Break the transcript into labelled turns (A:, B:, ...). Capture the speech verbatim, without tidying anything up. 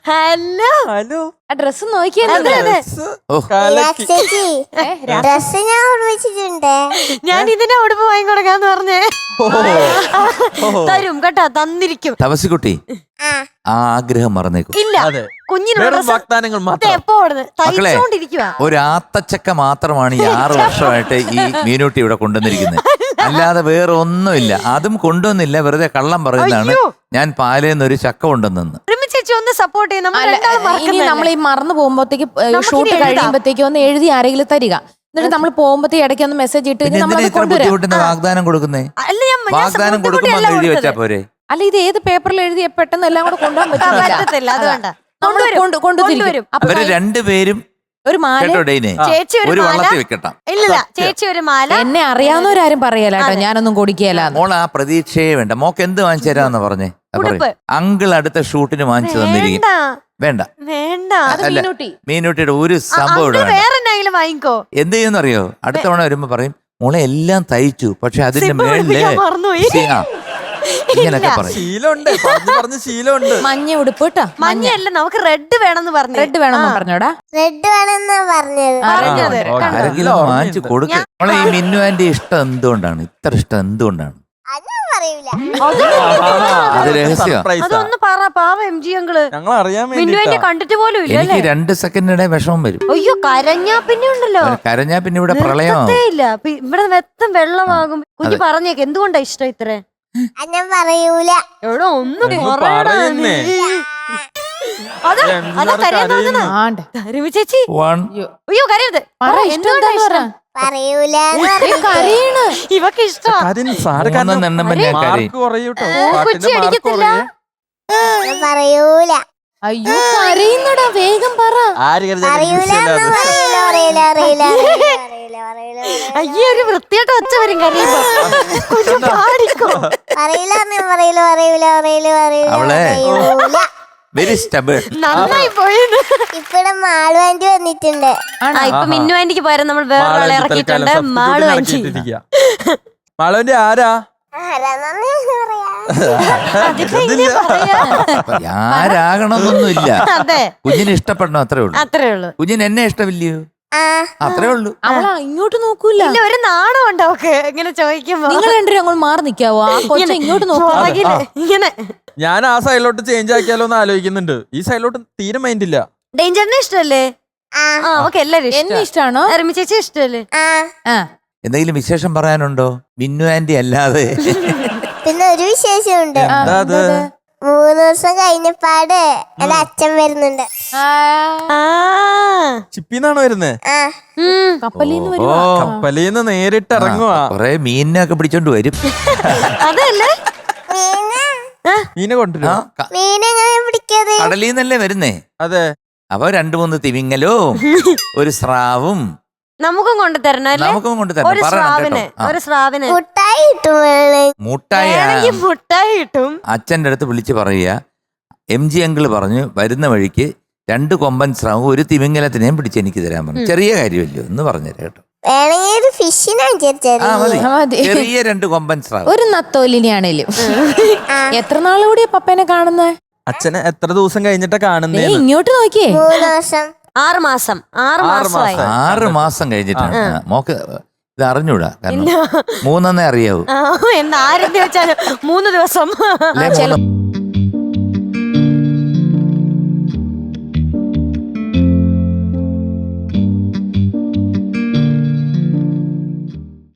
A: Hello
B: hello
C: ആ dress നോക്കിയാ
D: dress ഞാൻ ഓർമ്മിച്ചിട്ടുണ്ട്.
A: ഞാൻ ഇതിനെ ഉടുപ്പ് വാങ്ങി കൊടുക്കാന്ന് പറഞ്ഞേ. തരും കേട്ടോ, തന്നിരിക്കും.
E: തപസിക്കുട്ടി ആ ആഗ്രഹം മറന്നേക്കും.
A: ഇല്ല, കുഞ്ഞിനോട്
B: വാഗ്ദാനങ്ങൾ മാത്രം.
A: എപ്പോ തയ്ച്ചോണ്ടിരിക്കുക.
E: ഒരു ആത്തച്ചക്ക മാത്രമാണ് ഈ ആറു വർഷമായിട്ട് ഈ മീനൂട്ടി ഇവിടെ കൊണ്ടുവന്നിരിക്കുന്നത്. അല്ലാതെ വേറെ ഒന്നുമില്ല. അതും കൊണ്ടുവന്നില്ല, വെറുതെ കള്ളം പറയുന്നതാണ്. ഞാൻ പാലേന്ന് ഒരു ചക്ക കൊണ്ടുവന്നു.
A: സപ്പോർട്ട്
C: ഇനി നമ്മൾ ഈ മറന്നു പോകുമ്പോഴത്തേക്ക് ഷൂട്ട് കഴിയുമ്പോഴത്തേക്ക് ഒന്ന് എഴുതി ആരെങ്കിലും തരിക. എന്നിട്ട് നമ്മൾ പോകുമ്പോഴത്തേക്ക് ഇടയ്ക്ക് ഒന്ന് മെസ്സേജ് ഇട്ട്
E: വാഗ്ദാനം കൊടുക്കുന്നേ. വാഗ്ദാനം കൊടുക്കുമ്പോ എഴുതി വെച്ചാ പോരെ?
C: അല്ല, ഇത് ഏത് പേപ്പറിൽ എഴുതി പെട്ടെന്ന് എല്ലാം കൂടെ കൊണ്ടുപോകാൻ പറ്റില്ല. കൊണ്ടുവരും.
E: അവര് രണ്ടുപേരും
C: ഒരു മാല,
E: ഒരു വള്ളത്തിൽ വെക്കട്ടാം.
A: ഇല്ല, ചേച്ചി ഒരു മാല.
C: എന്നെ അറിയാവുന്നവരാരും പറയല കേട്ടോ, ഞാനൊന്നും കൊടുക്കുകയല്ല.
E: മോൾ ആ പ്രതീക്ഷയെ വേണ്ട. മോക്ക് എന്ത് വാങ്ങിച്ചു തരാന്ന് പറഞ്ഞേ. അങ്കിൾ അടുത്ത ഷൂട്ടിന് വാങ്ങിച്ചു തന്നിരിക്കും. വേണ്ട
A: വേണ്ട,
E: മീനൂട്ടിയുടെ ഒരു സംഭവം
A: വാങ്ങിക്കോ.
E: എന്ത് ചെയ്യുന്നറിയോ? അടുത്ത തവണ വരുമ്പോ പറയും, മോളെ എല്ലാം തയ്ച്ചു, പക്ഷെ അതിന്റെ മേളില് ഇങ്ങനൊക്കെ പറയും.
B: ശീലമുണ്ട്.
C: മഞ്ഞ ഉടുപ്പ് കേട്ടോ.
A: മഞ്ഞല്ല, നമുക്ക് റെഡ് വേണമെന്ന് പറഞ്ഞു.
C: റെഡ് വേണമെന്ന് പറഞ്ഞോടാ.
D: റെഡ് വേണമെന്നാ പറഞ്ഞത്.
E: ആരെങ്കിലും വാങ്ങിച്ചു കൊടുക്കും. മോളെ ഈ മിന്നു ആന്റി ഇഷ്ടം എന്തുകൊണ്ടാണ്? ഇത്ര ഇഷ്ടം എന്തുകൊണ്ടാണ്? അത് രഹസ്യം.
A: അതൊന്ന് പറ. പാവ എം ജി അങ്കിള് കണ്ടിട്ട് പോലും ഇല്ല.
E: എനിക്ക് രണ്ട് സെക്കൻഡിടെ വിഷമം വരും.
A: അയ്യോ, കരഞ്ഞാ പിന്നെ ഉണ്ടല്ലോ.
E: കരഞ്ഞാ പിന്നെ ഇവിടെ പ്രളയമാവും.
A: ഇല്ല, ഇവിടെ വെത്തം വെള്ളമാകും. കുഞ്ഞു പറഞ്ഞേക്ക് എന്തുകൊണ്ടാ ഇഷ്ടം ഇത്ര?
D: ഞാൻ പറയൂല.
A: എവിടെ ഒന്നും ചേച്ചി. അയ്യോ കരയരുത്.
D: പറയൂല.
A: ഇവക്ക് ഇഷ്ടം. കൊച്ചി അടിക്കത്തില്ല.
D: പറയൂല.
C: അയ്യോ കരയുന്നടാ, വേഗം പറ.
A: അയ്യോ, ഒരു വൃത്തിയായിട്ട് ഒച്ച വരും കരയുമ്പോ.
E: Very stubborn.
A: നന്നായി പോയത്.
D: ഇപ്പഴും മാളു ആന്റി വന്നിട്ടുണ്ട്.
A: ഇപ്പൊ മിന്നു ആന്റിക്ക് പകരം നമ്മൾ വേറെ ഇറക്കിയിട്ടുണ്ട്. മാളു ആന്റി.
B: മാളുവിന്റെ ആരാ?
E: ആരാകണമെന്നൊന്നുമില്ല.
A: അതെ,
E: കുഞ്ഞിനെ ഇഷ്ടപ്പെടണം, അത്രേ ഉള്ളൂ.
A: അത്രേ ഉള്ളൂ.
E: കുഞ്ഞിന് എന്നെ ഇഷ്ടമില്ലയോ? അത്രേ ഉള്ളൂ.
C: അവളാ ഇങ്ങോട്ട് നോക്കൂല.
A: ഇല്ല, ഒരു നാണം ഉണ്ട് അവക്ക് ഇങ്ങനെ ചോദിക്കുമ്പോ.
C: നിങ്ങൾ രണ്ടുപേരും അങ്ങോട്ട് മാറി നിക്കാവോ? ആ കൊച്ചു ഇങ്ങോട്ട് നോക്കില്ല.
A: ഇങ്ങനെ
B: ഞാൻ ആ സൈഡിലോട്ട് ചേഞ്ച് ആക്കിയാലോ എന്ന് ആലോചിക്കുന്നുണ്ട്. ഈ സൈഡിലോട്ട് തീരെ മൈൻഡ് ഇല്ല.
A: ഡേഞ്ചറിനെ ഇഷ്ടല്ലേ? എല്ലാരും
C: എന്നെ ഇഷ്ടമാണോ?
A: രമി ചേച്ചി ഇഷ്ടല്ലേ?
E: എന്തെങ്കിലും വിശേഷം പറയാനുണ്ടോ മിന്നു ആന്റി അല്ലാതെ?
D: പിന്നെ ഒരു വിശേഷമുണ്ട്. മൂന്ന് ദിവസം കഴിഞ്ഞപ്പാട് എന്റെ അച്ഛൻ വരുന്നുണ്ട്.
B: ചിപ്പിന്നാണോ വരുന്നേ?
C: കപ്പലിന്ന്
B: കപ്പലിന്ന് നേരിട്ട് ഇറങ്ങുവാ.
E: കൊറേ മീനിനൊക്കെ പിടിച്ചോണ്ട് വരും.
A: അതല്ലേ
B: മീനെ കൊണ്ടുവരും.
D: മീനെങ്ങനെ പിടിക്കാതെ?
E: കടലിന്നല്ലേ വരുന്നേ?
B: അതെ.
E: അപ്പൊ രണ്ടു മൂന്ന് തിമിങ്ങലും ഒരു സ്രാവും
A: നമുക്കും കൊണ്ടു തരണം.
E: നമുക്കും കൊണ്ടു തരണം. മുട്ടായി
A: മുട്ടായി കിട്ടും.
E: അച്ഛന്റെ അടുത്ത് വിളിച്ച് പറയുക, എം ജി അങ്കിള് പറഞ്ഞു വരുന്ന വഴിക്ക് രണ്ട് കൊമ്പൻ സ്രാവും ഒരു തിമിങ്ങലത്തിനെയും പിടിച്ച് എനിക്ക് തരാൻ പറഞ്ഞു. ചെറിയ കാര്യമല്ലോ എന്ന് പറഞ്ഞു കേട്ടോ. ചെറിയ രണ്ട് കൊമ്പൻ സ്രാവ്,
C: ഒരു നത്തോലിനെയാണേലും. എത്ര നാളുകൂടിയാ പപ്പേനെ കാണുന്നത്?
B: അച്ഛനെ എത്ര ദിവസം കഴിഞ്ഞിട്ടാ കാണുന്നേ?
C: ഇങ്ങോട്ട് നോക്കിയേ.
A: ആറ് മാസം ആറ് മാസമായി.
E: ആറ് മാസം കഴിഞ്ഞിട്ടാണ്. മോക്ക് ഇത് അറിഞ്ഞൂടാ, കാരണം മൂന്നെണ്ണേ അറിയാവൂ.
A: എന്നാരെന്ന് വെച്ചാല് മൂന്ന് ദിവസം.